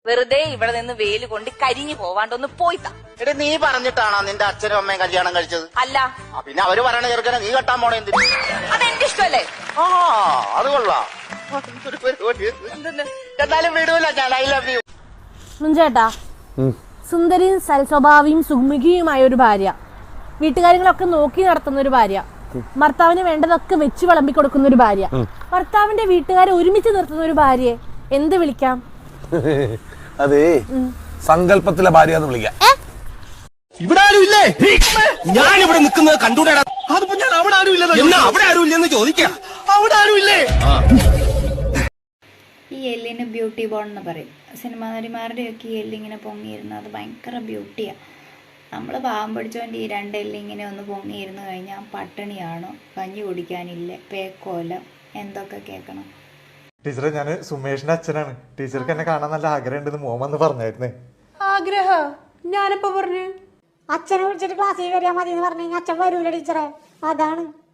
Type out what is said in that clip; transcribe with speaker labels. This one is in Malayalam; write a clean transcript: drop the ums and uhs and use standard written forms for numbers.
Speaker 1: വെറുതെ ഇവിടെ നിന്ന് വെയിൽ കൊണ്ട് കരിഞ്ഞു പോവാണ്ടൊന്ന് പോയിത്താ.
Speaker 2: എടേ നീ പറഞ്ഞിട്ടാണോ നിന്റെ അച്ഛനും അമ്മയും കല്യാണം കഴിച്ചത്?
Speaker 1: അല്ല.
Speaker 2: പിന്നെ അവര് പറയണ ചെറുക്കനെ നീ കെട്ടാൻ പോണേ എന്തിന്?
Speaker 1: അതെന്റെ ഇഷ്ടമല്ലേ?
Speaker 2: ആ അത് കൊള്ളാം. എന്നാലും വിടൂല ഞാൻ. I love you.
Speaker 3: ചേട്ടാ, സുന്ദരിയും സൽസ്വഭാവിയും സുമുഖിയുമായ ഒരു ഭാര്യ, വീട്ടുകാര്യങ്ങളൊക്കെ നോക്കി നടത്തുന്ന ഒരു ഭാര്യ, ഭർത്താവിന് വേണ്ടതൊക്കെ വെച്ച് വിളമ്പി കൊടുക്കുന്ന ഒരു ഭാര്യ, ഭർത്താവിന്റെ വീട്ടുകാരെ ഒരുമിച്ച് നിർത്തുന്ന ഒരു ഭാര്യയെ എന്ത് വിളിക്കാം?
Speaker 4: അതെ, സങ്കല്പത്തിലെ ഭാര്യ എന്ന് വിളിക്കാം.
Speaker 5: ഇവിടെ ആരും ഇല്ലേ? ഞാൻ ഇവിടെ നിൽക്കുന്നത് കണ്ടൂടാ. അതിപ്പോ ഞാൻ അവിടെ ആരും ഇല്ലെന്ന് അവിടെ ആരും ഇല്ലെന്ന് ചോദിക്കാം. അവിടെ ആരും ഇല്ലേ?
Speaker 6: ഈ എല്ലിന് ബ്യൂട്ടി ബോൺ എന്ന് പറയും. സിനിമാ നടിമാരുടെയൊക്കെ ഈ എല്ലിങ്ങനെ പൊങ്ങിയിരുന്നത് അത് ഭയങ്കര ബ്യൂട്ടിയാണ്. നമ്മൾ പാവം പിടിച്ചോണ്ട് ഈ രണ്ടെല്ലിങ്ങനെ ഒന്ന് പൊങ്ങിയിരുന്നു കഴിഞ്ഞാൽ പട്ടിണിയാണോ, കഞ്ഞി കുടിക്കാനില്ല, പേക്കോല, എന്തൊക്കെ കേൾക്കണം.
Speaker 7: ടീച്ചറെ, ഞാൻ സുമേഷിന്റെ അച്ഛനാണ്. ടീച്ചർക്ക് എന്നെ കാണാൻ നല്ല ആഗ്രഹം ഉണ്ടെന്ന് മോമെന്ന് പറഞ്ഞായിരുന്നേ.
Speaker 3: ആഗ്രഹ? ഞാനിപ്പോ പറഞ്ഞു
Speaker 8: അച്ഛനെ വിളിച്ചിട്ട് ക്ലാസ്സിൽ വരാൻ മതി എന്ന് പറഞ്ഞു കഴിഞ്ഞാൽ അച്ഛൻ വരൂല ടീച്ചറെ, അതാണ്.